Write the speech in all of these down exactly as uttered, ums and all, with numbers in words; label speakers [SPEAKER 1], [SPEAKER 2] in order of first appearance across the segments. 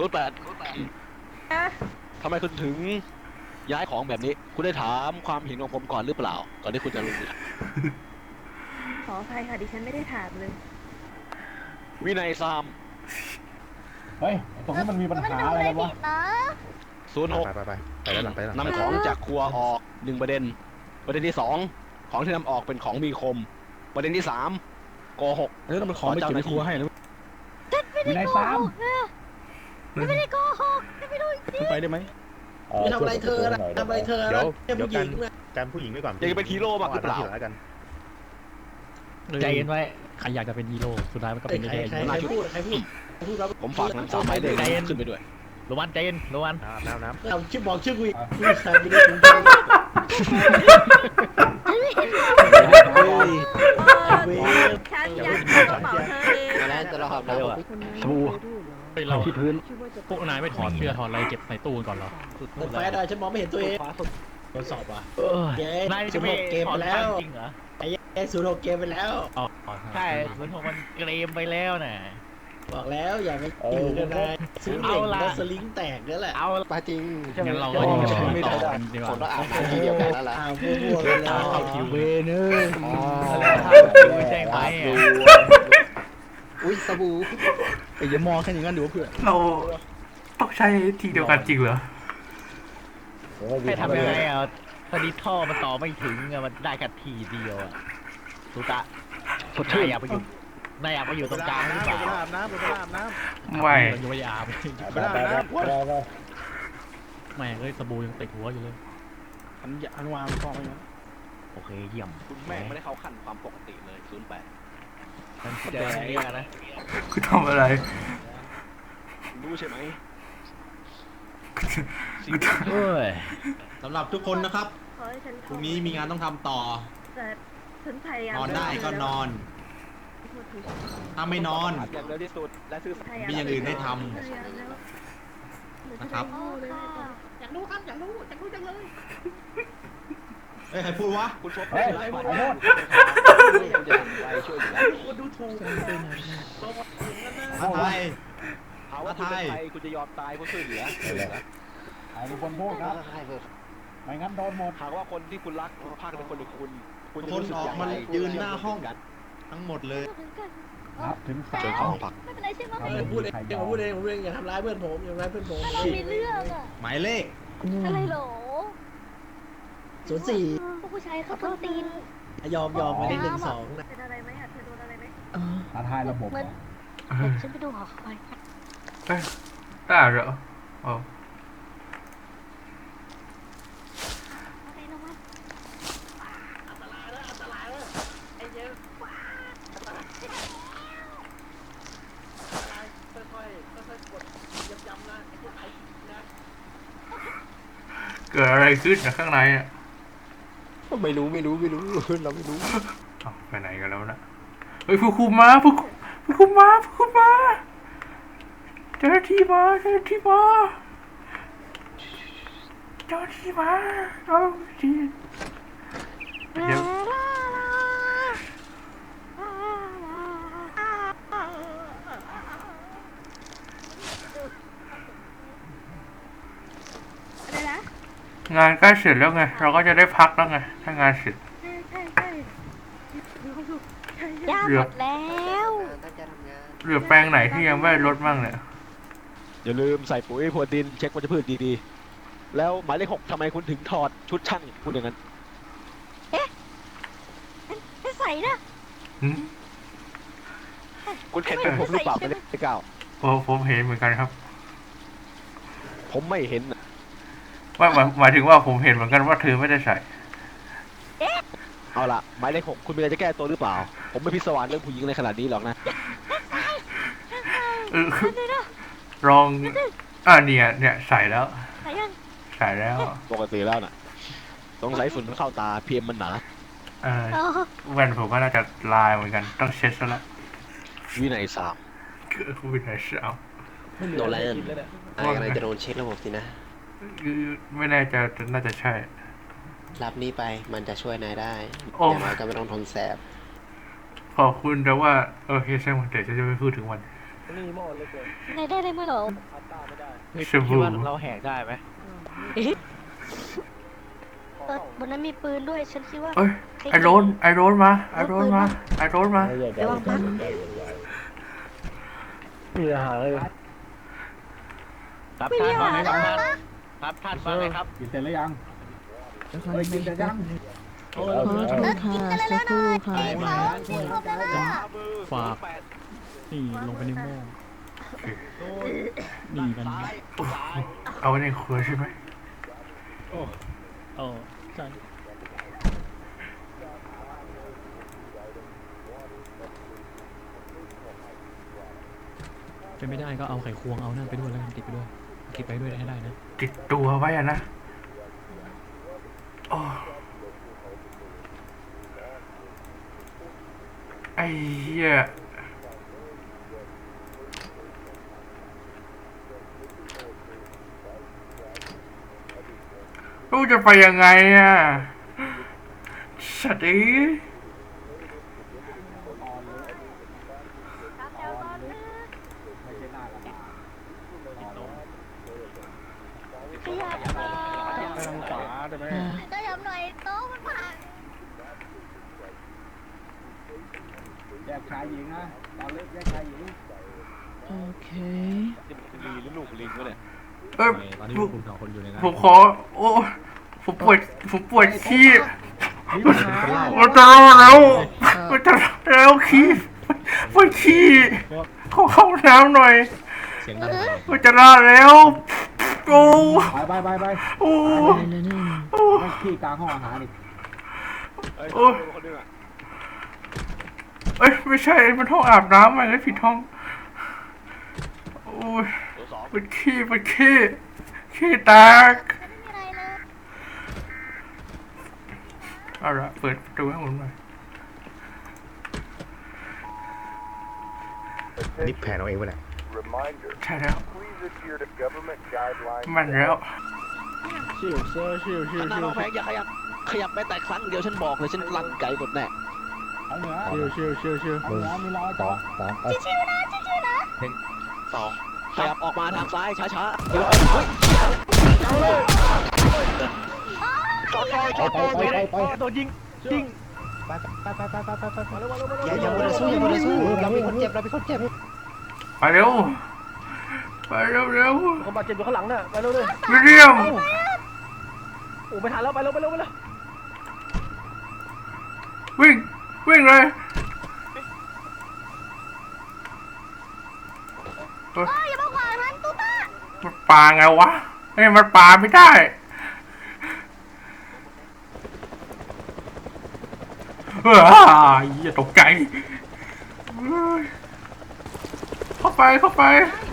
[SPEAKER 1] ศูนย์แปดทำไมคุณถึงย้ายของแบบนี้คุณได้ถามความเห็นของผมก่อนหรือเปล่าก่อนที่คุณจะลงมือทำ
[SPEAKER 2] ขออภัยค่ะดิฉันไม่ได้ถามเลย
[SPEAKER 1] วินัยซาม
[SPEAKER 3] เฮ้ยตรงนี้มันมีปัญหาอะไรกันวะ
[SPEAKER 1] ศูนย์หก
[SPEAKER 4] ไปไปไปไปแล้วหลังไปหลัง
[SPEAKER 1] นำของจากครัวออกหนึ่งประเด็นประเด็นที่สองของที่นำออกเป็นของมีคมประเด็นที่สามโกหก
[SPEAKER 3] แล้วมันของไม่เก็บในครัวให้หรือมีนายสาม
[SPEAKER 2] ไม่ได้โกหกไม่รู้จริง
[SPEAKER 3] ไปได้ไหม
[SPEAKER 5] ไม่ทำอะไรเธอละทำอะไรเธอ
[SPEAKER 4] เดี๋ยว
[SPEAKER 5] แค่
[SPEAKER 4] เดี๋ยว
[SPEAKER 5] ผู้ห
[SPEAKER 4] กั
[SPEAKER 5] ญิ
[SPEAKER 4] น
[SPEAKER 5] งนะ
[SPEAKER 4] การผู้หญิงไว้ก่อน
[SPEAKER 1] อยากจะเป็นฮีโร่มากหรือเปล่า
[SPEAKER 4] แล้วกัน
[SPEAKER 3] ใจเย็นไว้ใครอยากจะเป็นฮีโร่สุดท้ายมันก็
[SPEAKER 5] ใคร
[SPEAKER 3] เป็น
[SPEAKER 5] ใคร
[SPEAKER 3] แค่
[SPEAKER 5] ใครใครพูดใครพูดพูดครับ
[SPEAKER 1] ผมฝากนำสามหมายเลขขึ้นไปด้วย
[SPEAKER 3] โรวันใจเย็นโรวัน
[SPEAKER 4] น้ำน้ำน้
[SPEAKER 5] เราชื่อบอกชื่อกูอีกผู้ชายไม่ได้ถึงเว้ย
[SPEAKER 2] ฉันอยากกระเป๋าเธอเอง
[SPEAKER 6] มาแล้วจะรอครับแล้วอ่ะ
[SPEAKER 3] สบู่ไปเราที่พื้นพวกนายไม่ถอดเสื้อถอดอะไรเก็บใส่ตู้ก่อนเหรอ
[SPEAKER 5] แต่แฟนอะฉันมองไม่เห็นตัวเองทดสอบอ่ะแก
[SPEAKER 3] นาย
[SPEAKER 5] ศู
[SPEAKER 3] จะ
[SPEAKER 5] นย์
[SPEAKER 3] ไม่
[SPEAKER 5] หกเกมไปแล้ว
[SPEAKER 3] จริงเหรอ
[SPEAKER 5] ไอ้แกศูนย์หกเกมไปแล้ว
[SPEAKER 3] อ๋อใช่เหมือนของมันเกรมไปแล้วน่ะ
[SPEAKER 5] บอกแล้วอย่าไปอยู่กันเลยซื้อเหล็กแล้วสลิงแตกนั่นแหละ
[SPEAKER 3] เอา
[SPEAKER 6] ปาจริง
[SPEAKER 3] งั้นเราก็ยังไม่ต่อกันดีก
[SPEAKER 6] ผมต้อ
[SPEAKER 3] ว่าง
[SPEAKER 6] อาบน้ำทีเดียวกันแล้วล่ะ
[SPEAKER 5] อ้าวมั่วๆกันแล้ว
[SPEAKER 3] เข้าคิวเวเนอร์ แจ้งไป
[SPEAKER 6] อุ้ยสบู่
[SPEAKER 3] ไอ้ยมองแค่อย่างนั้นดูเพื่อน
[SPEAKER 7] เราต้องใช้ทีเดียวกันจริงเหรอ
[SPEAKER 3] ให้ทำยังไงอ่ะพอดีท่อมันต่อไม่ถึงอ่ะมันได้แค่ทีเดียวอ่ะสุตะนายอยากไปอยู่นายอยากไปอยู่ตรงกลางหรือเปล่า
[SPEAKER 4] ำอาบน้ำไปอาบน้
[SPEAKER 7] ไม่
[SPEAKER 3] ยังไม่อาบ
[SPEAKER 4] ำไปอาบน้ำ
[SPEAKER 3] แม่งเอ้ยสบู่ยังติดหัวอยู่เลยอันยาอันวางท่อไปนะโอเคเยี่ยม
[SPEAKER 1] คุณแม่ไม่ได้เข้าขั้นความปกติเลยศูนย์แปด
[SPEAKER 3] นั่นแดงเนี่ยนะ
[SPEAKER 7] คือทำอะไร
[SPEAKER 1] รู้ใช่ไหม
[SPEAKER 3] เอ้ย
[SPEAKER 5] สำหรับทุกคนนะครับ
[SPEAKER 2] ขอให้ฉัน
[SPEAKER 5] พรุ่งนี้มีงานต้องทำต่อ
[SPEAKER 2] แต่ฉันพยายาม
[SPEAKER 5] นอนได้ก็นอน ถ้าไม่นอน
[SPEAKER 1] อย่างเร็วที่สุดและซื่อสัตย์
[SPEAKER 5] มีอย่างอื่นให้ทำนะครับ
[SPEAKER 2] อยากรู้ครับอยากรู้อยากรู้จังเลย
[SPEAKER 5] เฮ้ยใครพูดวะ
[SPEAKER 1] คุณชด
[SPEAKER 3] เฮ้ย
[SPEAKER 1] ไล่
[SPEAKER 3] ข
[SPEAKER 1] มา
[SPEAKER 3] อโทษ
[SPEAKER 1] คุณจะไปช่วยอยู่แล้ว
[SPEAKER 5] คนดูถูก
[SPEAKER 1] ถ้า
[SPEAKER 5] อะไร
[SPEAKER 1] หาว่าคุณเป็นใครคุณจะยอมตายเพื่อช่วยเหลือ
[SPEAKER 3] ไอ้คนพูดครับไม่งั้นโดนหมด
[SPEAKER 1] หากว่าคนที่คุณรักภาคเป็นคนหรือคุณคุณ
[SPEAKER 5] ค
[SPEAKER 1] จะ
[SPEAKER 5] น
[SPEAKER 1] รู้สึก
[SPEAKER 5] ออ
[SPEAKER 1] อก ย่าง
[SPEAKER 5] มา
[SPEAKER 1] ไร
[SPEAKER 5] ยืนหน้าห้องทั้งหมดเลย
[SPEAKER 3] นับถึงสา
[SPEAKER 1] เจอ
[SPEAKER 3] ม
[SPEAKER 1] ของผัก
[SPEAKER 2] ไม่เป็นไรใช่ไหม
[SPEAKER 5] เออพูดเองเดี๋ยวผมพูดเองผมพูดเองอย่าทำร้ายเพื่อนผมอย่าทำร้ายเพื่อนผม
[SPEAKER 2] เรามีเรื่องอะ
[SPEAKER 5] หมายเลข
[SPEAKER 2] อะไรหรอ
[SPEAKER 5] ศูนย์สี่
[SPEAKER 2] พวกผู้ชายเขาต้นตีน
[SPEAKER 5] ยอมยอมมาได้หนึ่งสองนะ
[SPEAKER 2] เป็นอะไรไหมอะเธอโดนอะไรไหม
[SPEAKER 3] ท้าทายระบบ
[SPEAKER 2] เหมือน
[SPEAKER 7] เอ
[SPEAKER 2] เหมือ
[SPEAKER 7] อน
[SPEAKER 2] ฉันไปดูหอคอย
[SPEAKER 7] เอ้ยได้เหรออ๋อ
[SPEAKER 2] อะไรนะวะ
[SPEAKER 7] เกิดอะไรขึ้นนะข้างในอ่ะ
[SPEAKER 6] ไม่รู้ไม่รู้ไม่รู้เราไม่รู้
[SPEAKER 7] อ้าวไปไหนกันแล้วนะเฮ้ยผู้คุมมาผู้คุมผู้คุมมาผู้คุมมาเจ้าหน้าที่มาเจ้าหน้าที่มาเจ้าหน้าที่มาเอาดีเดี๋ยว
[SPEAKER 2] อะไรนะ
[SPEAKER 7] งานใกล้เสร็จแล้วไงเราก็จะได้พักแล้วไงถ้างานเสร็จ
[SPEAKER 2] ใช่ใช่ใช่ย่าหมดแล้ว
[SPEAKER 6] ตั้งใจทำงาน
[SPEAKER 7] เหลือแปลงไหนที่ยังไม่ได้ลดบ้างเนี่ย
[SPEAKER 1] อย่าลืมใส่ปุ๋ยพรวนดินเช็ควัชพืชดีๆแล้วหมายเลขหกทำไมคุณถึงถอดชุดช่างพูดอย่างนั้น
[SPEAKER 2] ไม่ใส่นะ
[SPEAKER 7] หืม
[SPEAKER 1] คุณเห็นเป็นผมหรือเปล่าไม่ได้เก้า
[SPEAKER 7] ผมผมเห็นเหมือนกันครับ
[SPEAKER 1] ผมไม่เห็นน่ะ
[SPEAKER 7] ว่าหมายหมายถึงว่าผมเห็นเหมือนกันว่าเธอไม่ได้ใส่
[SPEAKER 1] เอาล่ะหมายเลขหกคุณมีอะไรจะแก้ตัวหรือเปล่า ผมไม่พิศวาสเรื่องผู้หญิงในขนาดนี้หรอกนะ
[SPEAKER 7] เออลองอ่าเนี่ยเนี่ยใส่แล้ว
[SPEAKER 2] ใส่ยัง
[SPEAKER 7] ใส่แล้ว
[SPEAKER 1] ปกติแล้วน่ะสงสัยฝุ่นมันเข้าตาเพียมมันหนา
[SPEAKER 7] เออแว่นผมก็น่าจะลายเหมือนกันต้องเช็ดซะละ
[SPEAKER 1] วินัยสาม
[SPEAKER 7] คือวินัยสาม
[SPEAKER 6] โดนอะไรนั่นอะไรจะโดนเช็คระบบสินะ
[SPEAKER 7] คือไม่แน่ใจแต่น่าจะใช่
[SPEAKER 6] รับนี้ไปมันจะช่วยนายได้
[SPEAKER 7] โอ้
[SPEAKER 6] อย่างน้อยก็ไม่ต้องทนแสบ
[SPEAKER 7] ขอบคุณแต่ว่าโอเคช่างมันเดี๋ยวจะไม่พูดถึงมัน
[SPEAKER 2] ในได้ได้ไหมหรอ
[SPEAKER 3] คิดว่าเราแหกได้ไหม
[SPEAKER 2] เออบนนั้นมีปืนด้วย ฉันคิดว่า
[SPEAKER 7] เอ้ยไอโรนไอโรนมาไอโรนมาไอโรนมา
[SPEAKER 2] ระวังปัก
[SPEAKER 4] มีอาหารเลย
[SPEAKER 3] ครับ
[SPEAKER 2] ไม่
[SPEAKER 3] ท่า
[SPEAKER 2] มี
[SPEAKER 3] น
[SPEAKER 2] อา
[SPEAKER 3] ว่า
[SPEAKER 2] หาร
[SPEAKER 3] ไง
[SPEAKER 2] นะ
[SPEAKER 3] ครับท่านครับท่านว่าไงครับ
[SPEAKER 4] กินเสร็จแล้วยังเฮ้ยกินเสร็จยัง
[SPEAKER 5] โอ้ย
[SPEAKER 2] เออกินกันเลยแล้วหน่อยกินเขากินครบแล้วนะ
[SPEAKER 8] ฝากนี่ลงไปในหม้อนี่กัน
[SPEAKER 7] เอาไว้ในครัวใช่ไหม
[SPEAKER 8] เออใช่เป็นไม่ได้ก็เอาไข่ควงเอานั่นไปด้วยแล้วกันติดไปด้วยเก็บไปด้วยให้ได้นะ
[SPEAKER 7] ติดตัวไว้อะนะโอ้ไอ้เหี้ยลูกจะไปยังไงอ่ะสัตว์เอ้ย
[SPEAKER 2] ขยับหน่อย
[SPEAKER 4] ไปทางขวาได้ไหม
[SPEAKER 2] ขยับหน่อยโต๊ะมันพัง
[SPEAKER 4] แยกชายหญิงนะตอนเล็กแยกชายหญิง
[SPEAKER 1] นี่มันลีหรือลูกลิงวะเนี่ย
[SPEAKER 7] เอ้ย
[SPEAKER 8] ตอนนี้
[SPEAKER 7] ผม
[SPEAKER 8] คุณสองคนอยู่ในนั้น
[SPEAKER 7] ผมขอโอ้ผมปวดผมปวดขี้
[SPEAKER 4] นี่มันเป็นเหล้า
[SPEAKER 7] มันจะรอดแล้วมันจะรอดแล้วขี้ปวดขี้ขอเข้าห้องน้ำหน่อย
[SPEAKER 8] เสียงดัง
[SPEAKER 7] มันจะรอดแล้วโอ้
[SPEAKER 4] ไปไปไปไป
[SPEAKER 7] โอ้โอ้
[SPEAKER 4] ไม่ขี้กลางห้องอาหารอีก
[SPEAKER 7] โอ้เอ้ยไม่ใช่มันห้องอาบน้ำอะไรผิดห้องโอ้ย
[SPEAKER 1] ตัวสอง
[SPEAKER 7] มันขี้มันขี้ขี้แตก
[SPEAKER 2] ไม่มีอะไรเลย
[SPEAKER 7] เอาละเปิดประตูให้ผมหน่อย
[SPEAKER 4] นี่แผนเอาเองวะเนี่ย
[SPEAKER 7] ใช่แล้วมันแล้ว
[SPEAKER 4] ชิวเซอร์ชิวชิว
[SPEAKER 1] หน้า
[SPEAKER 4] ชิว
[SPEAKER 1] น้องแพงอย่าขยับขยับแม้แต่ครั้งเดียวฉันบอกเลยฉันลั่นไก่หมดแน่
[SPEAKER 4] เอาเหนือชิวชิวชิวชิวเอาเหนือมีรอยต่อสามไป
[SPEAKER 2] ชิวๆนะชิวๆนะ
[SPEAKER 1] สองขยับออกมาทางซ้ายช้าๆเดี๋ยว
[SPEAKER 4] ไปไปไปไป
[SPEAKER 3] โดนยิงยิง
[SPEAKER 4] ไปไปไปไปไปไปไป
[SPEAKER 5] อย่าอย่ามัวแต่สู้อย่ามัวแต่สู้เราเป็นคนเจ็บเราเป็นคนเจ็บ
[SPEAKER 7] ไปเร็วไปเร็วเร็ว
[SPEAKER 3] คนบาดเจ็บอยู่ข้างหลังน่ะไปเร็วเลย
[SPEAKER 7] วิลเลียม
[SPEAKER 3] โอ้ไปทันแล้วไปเร็วไปเร็วไปเร็ว
[SPEAKER 7] วิ่งวิ่งเลย
[SPEAKER 2] เอ้ยอย่ามาขวางฉันตุ๊ต้า
[SPEAKER 7] มันปาไงวะเฮ้ยมันปาไม่ได้เฮ้ยอย่าตกใจเฮ้ยเข้าไปเข้าไป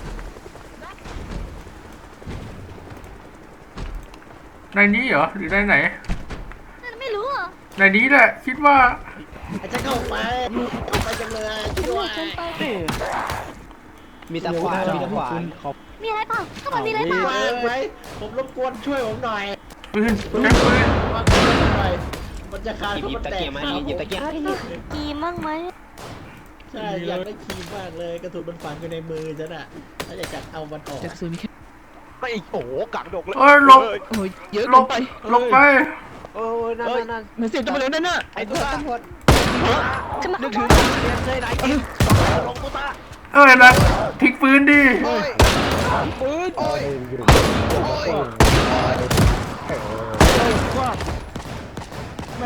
[SPEAKER 7] ในนี้เหรอหรือในไหน
[SPEAKER 2] ฉันไม่รู้อ่ะ
[SPEAKER 7] ในนี้แหละคิดว่า
[SPEAKER 5] อาจจะเข้าไปเข้าไปจังเลยช่วย
[SPEAKER 2] ฉันไป
[SPEAKER 5] มีตะขวานมีตะขวาน
[SPEAKER 2] มีอะไรเปล่าข้างบนมีอะไรเปล่า
[SPEAKER 5] ว่างไหมผมรบกวนช่วยผมหน่อย
[SPEAKER 7] ปืนใช้ปืน
[SPEAKER 5] ว่างหน่อยมันจะขาด
[SPEAKER 6] หยิบหยิบตะเกียบมาหยิบหยิบตะเกียบ
[SPEAKER 2] กีมั่งไหม
[SPEAKER 5] ใช่อยากได้ครีมมากเลยกระสุนมันฝังอยู่ในมือฉันอ่ะถ้าอยากจะเอามันออก
[SPEAKER 1] ไม่โอ้โหกังดกเลย
[SPEAKER 7] เอ้ยหลบ
[SPEAKER 1] เยอะ
[SPEAKER 7] หล
[SPEAKER 1] ล
[SPEAKER 7] บ
[SPEAKER 1] งไป
[SPEAKER 7] หลบไป
[SPEAKER 5] โอ้ยนั่นนั่น
[SPEAKER 1] มันเสียงจะมาเลยนั่นน่ะ
[SPEAKER 5] ไอ้ตัวตำรวจ
[SPEAKER 2] ขึ้นมา
[SPEAKER 1] นึ
[SPEAKER 2] ข้าก งบ
[SPEAKER 1] ถึง
[SPEAKER 2] น
[SPEAKER 1] เรียนเลยไหนกินลงตุ๊ตา
[SPEAKER 7] เอ้ยนะทิ้งปืนดิ
[SPEAKER 1] ปืน
[SPEAKER 4] โอ้ยอยู่แม่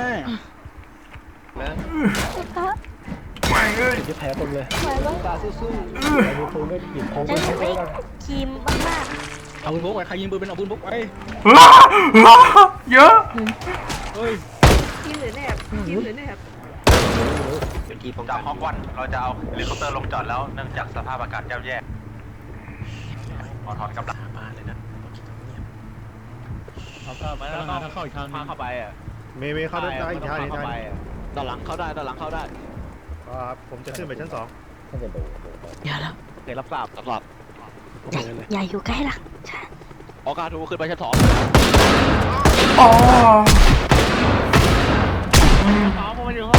[SPEAKER 2] ตุ๊ต้า
[SPEAKER 7] ไม่เอ้ย
[SPEAKER 4] จะแผลเต็มเลย
[SPEAKER 2] ไหวไหม
[SPEAKER 4] ตาสู้ๆไอ้ปืนไม่หยิบของ
[SPEAKER 2] ฉัน
[SPEAKER 4] ไป
[SPEAKER 2] จะ
[SPEAKER 4] ใช้
[SPEAKER 2] ได้
[SPEAKER 4] กัน
[SPEAKER 2] ครีมมาก
[SPEAKER 8] เอาปืนพกไปใครยิงปืนเป็นเอาปืนพกไป
[SPEAKER 7] อ้าอ้าเยอะ
[SPEAKER 8] เฮ้ย
[SPEAKER 2] ๆครีมหรือแนบครีมหรือแนบ
[SPEAKER 6] เป็นที่ป้อง
[SPEAKER 9] จา
[SPEAKER 6] กั
[SPEAKER 9] ก
[SPEAKER 6] น
[SPEAKER 9] ฮอกวันเราจะเอาเฮลิคอปเตอร์ลงจอดแล้วเนื่องจากสภาพอากาศย่ำแย่ขอถอนกำลัง
[SPEAKER 1] มาเลยนะ
[SPEAKER 3] เขาก็มา
[SPEAKER 8] แล้
[SPEAKER 3] แล้ว ว
[SPEAKER 8] ก็
[SPEAKER 3] ก็
[SPEAKER 8] เข้าอีกทางนึ
[SPEAKER 3] พาง เข้าไปอ่ะ
[SPEAKER 4] เมย์เมย์เข้าได้อีกทางอีกทาง
[SPEAKER 1] ด้านหลังเข้าได้ด้านหลังเข้าได้
[SPEAKER 4] ครับผมจะขึ้นไปชั้นสอง
[SPEAKER 2] อย่าละ
[SPEAKER 3] เดี๋ยวรับทราบ
[SPEAKER 1] สำหรับ
[SPEAKER 2] อย่าอยู่ใกล้หลัง
[SPEAKER 1] ออกาทูขึ้นไปชั้นสอง
[SPEAKER 7] อ๋อ
[SPEAKER 3] ฟ้ามันอยู่ห้อง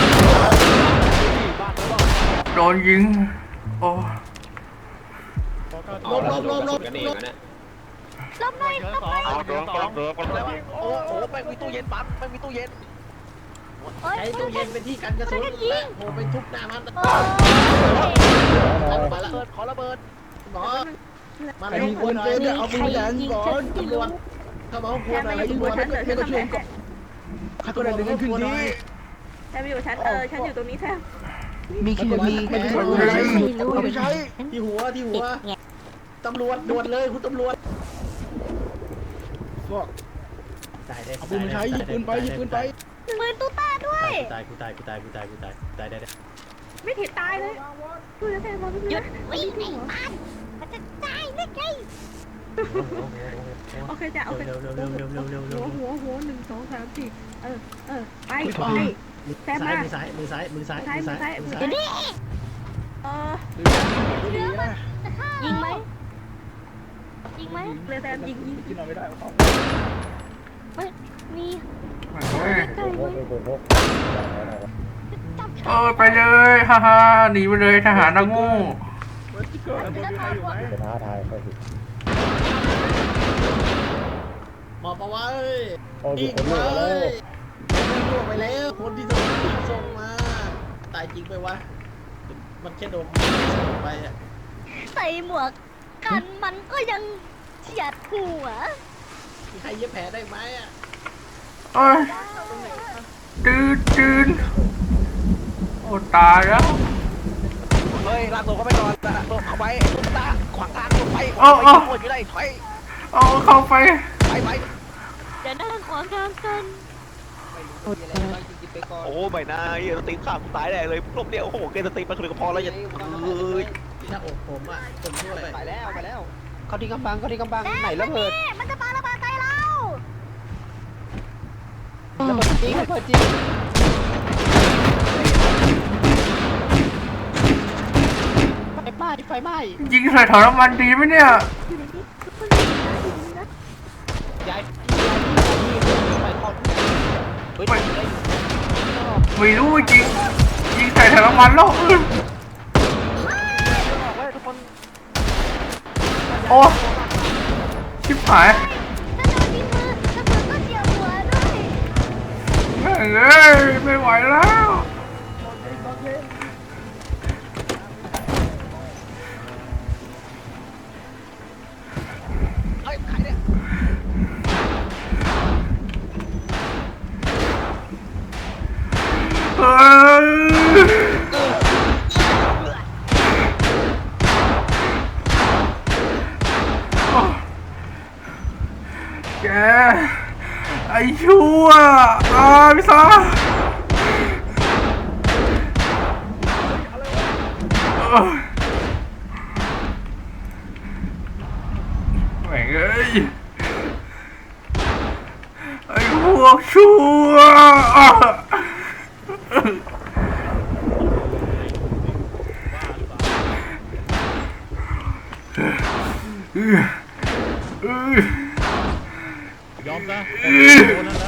[SPEAKER 7] โดนยิงโอ้
[SPEAKER 4] ไป
[SPEAKER 5] ลบลบลบลบ
[SPEAKER 6] กันเอง
[SPEAKER 5] ลบ
[SPEAKER 6] นะ
[SPEAKER 2] ลบหน่อยลบหน่อย
[SPEAKER 1] เอาเดินกำลังเดินกำลัง
[SPEAKER 3] แล้วโอ้โหไม่มีตู้เย็นปั๊มไม่มีตู้เย็น
[SPEAKER 2] เฮ้ย
[SPEAKER 5] ใช้ตู้เย็นเป็นที่กันกระสุนและโหไปทุบหน้ามัน
[SPEAKER 2] โอ้ย
[SPEAKER 5] มาละ
[SPEAKER 3] เบิดขอระเบิด
[SPEAKER 5] หมอมาแล้วคนเป็นเอาปืนแหลมก่อนตำรวจถ้ามาควรอะไรตำรวจไม่ก็ช่วยก่อนข้าตัวเดินขึ้นที่
[SPEAKER 2] แทมอยู่ชั้นเออฉันอยู่ตรงนี้แทม
[SPEAKER 5] มีคือมีไม่ใช่
[SPEAKER 2] ไม่รู้
[SPEAKER 5] ไม่ใช่ที่หัวที่หัวตำรวจด่วนเลยคุณตำรวจตายได้เอาปืนมาใช้ยิงปืนไปยิงปืนไป
[SPEAKER 2] มือตู้ตาด้วย
[SPEAKER 5] ตายกูตายกูตายกูตายกูตายตายได้ได้
[SPEAKER 2] ไม่ถิดตายเลยดูแล้วแทมหยุดวิ่งไอ้บ้านมันจะตายได้ไงโอเคจ้ะโอเค
[SPEAKER 5] เร็วเร็วเร็วเร็วเร็วเร็วเร็ว
[SPEAKER 2] หัวหัวหัวหนึ่งสองสามสี่เออเออไปไป
[SPEAKER 5] ซ้ายมือซ้ายมือซ้ายมือซ้าย
[SPEAKER 2] ซ้าย
[SPEAKER 5] มือ
[SPEAKER 2] มือ
[SPEAKER 5] ซ้า
[SPEAKER 2] ซ้าย ย
[SPEAKER 5] มื
[SPEAKER 2] มื
[SPEAKER 5] อ
[SPEAKER 2] อ
[SPEAKER 5] ซ้าย
[SPEAKER 2] ซ้ายเออยิงไหมยิงไหมเลยแซมยิงยิง
[SPEAKER 4] กินเอาไม่ได้เอาเข้า
[SPEAKER 2] เฮ้ยมี
[SPEAKER 7] เฮ้ย
[SPEAKER 2] ใกล้เลยจับ
[SPEAKER 7] เออไปเลยฮ่าฮ่าหนีไปเลยทหารนะงู
[SPEAKER 4] เกิดบนมีใครอยู่ไหม
[SPEAKER 5] หมอบเอาไว้อีกเลยล่วงไปแล้วคนที่ส่งส่งมาตายจริงไปวะมันแค่โดนส่งไปอ่ะ
[SPEAKER 2] ใส่หมวกกันมันก็ยังเฉียดหัว
[SPEAKER 5] มีใครเย็บแผลได้ไหมอ่ะ
[SPEAKER 7] เอ้ยตื่นตื่นโอ้ตายแล้ว
[SPEAKER 3] เฮ้ยลากตัวเข้าไปก่อนลากตัวเข้าไปตุ๊กตาขวางทางตัวไป
[SPEAKER 7] โอ้โอ้
[SPEAKER 3] โอ้ยอยู่ได้ถอย
[SPEAKER 7] เอาเข้าไป
[SPEAKER 3] ไปไป
[SPEAKER 2] เดี๋ยวนั่งขวางทางกัน
[SPEAKER 3] โอ้ใบหน้าเฮียสตีฟขาดตายแน่เลยรอบเดียวโอ้โหเกสตีฟมาคือก็พอแล้วอย่าเอ้ย
[SPEAKER 5] ที่หน้าอกผมอ่ะผมช่วย
[SPEAKER 6] ไปแล้วไปแล้วเขาที่กำบังเขาที่กำบังไหนระเบิด
[SPEAKER 2] มันจะปาระเบิดใส่เรา
[SPEAKER 6] ระเบิดจริงระเบิดจริงไฟไหม้ไฟไหม้
[SPEAKER 7] ยิงใส่ถังน้ำมันดีไหมเนี่ย
[SPEAKER 6] ย้ายไฟคอนเฮ้ย
[SPEAKER 7] ไม่รู้จริงยิงใส่ถังน้ำมันแล้วอื้อโอ้ชิบหาย
[SPEAKER 2] ถ้าโดนยิงมือระเบิดก็เจียวหัวด้วย
[SPEAKER 7] แม่งเอ้ยไม่ไหวแล้ว
[SPEAKER 3] เฮ้ยใครเนี่ย
[SPEAKER 7] เอ้ยแกไอ้ชั่วอ่าพี่ซาเอ้ยแม่งเอ้ยไอ้พวกชั่วอ่ะเอ้ยเอ้ย
[SPEAKER 8] ยอมซะ
[SPEAKER 7] เอ้ย
[SPEAKER 8] โดนนั้นแล้ว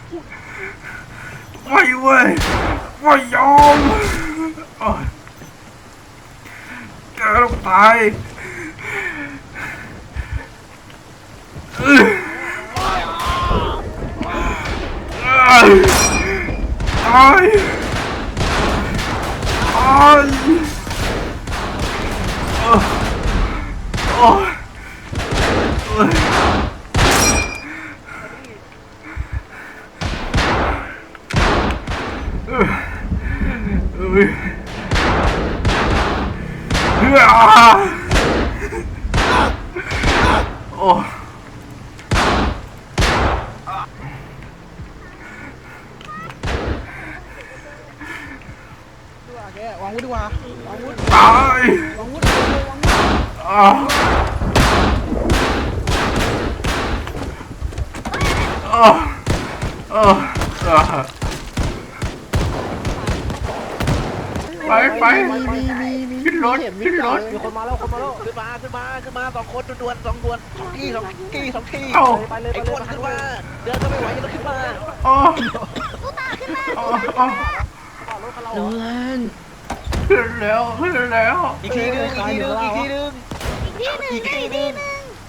[SPEAKER 7] ไม่เว้ยไม่ยอมโอ๊ยแกต้องตายเอ้ยเอ้ยตายตายโอ้ยโอ้ยโอ้ยเอ้ยเอ้ยเฮ้ยอ่าโอ้วางวุ้ดีกว่าวางวุ้ตายวางวุ้อ่าอ่าอ่าอ่าไปไปขึ้นรถขึ้นรถ
[SPEAKER 3] มีคนมาแล้วคนมาแล้วขึ้นมาขึ้นมาขึ้นมาสองคนด่วนๆสองด่วนสองที่สองที่สองที่
[SPEAKER 7] เอ้า
[SPEAKER 3] ไปเลยไอ้คนขึ้นมาเดินก็ไม่ไหวยังต้องขึ้นมา
[SPEAKER 7] อ๋อ
[SPEAKER 2] ตู้ตาขึ้นมา
[SPEAKER 7] อ๋ออ๋อ
[SPEAKER 5] โนแลน
[SPEAKER 7] ขึ้นแล้วขึ้นแล้ว
[SPEAKER 3] อีกทีนึงอีกทีนึงอีกทีนึง
[SPEAKER 2] อีกทีอีกทีหนึ่ง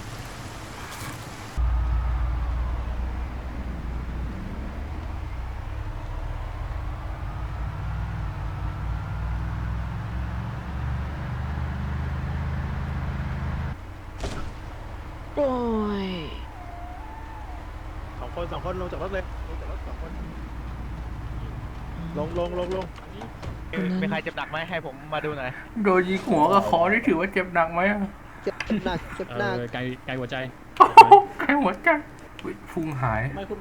[SPEAKER 1] โอ้ย
[SPEAKER 5] สองคนสองคนลงจากรถเลยลงจากรถสองคนลงลงลงลง
[SPEAKER 3] มีใครเจ็บหนักไหมให้ผมมาดูหน่อย
[SPEAKER 7] โดนยิงหัวกับคอนี่ถือว่าเจ็บหนักไหมอะ
[SPEAKER 6] เจ็บหนักเจ็บ
[SPEAKER 8] เอ
[SPEAKER 6] หนัก
[SPEAKER 8] อไกลไกลหัวใจ
[SPEAKER 7] แค่หัวใจอุ๊ยพุงหาย
[SPEAKER 5] ไม่คุณ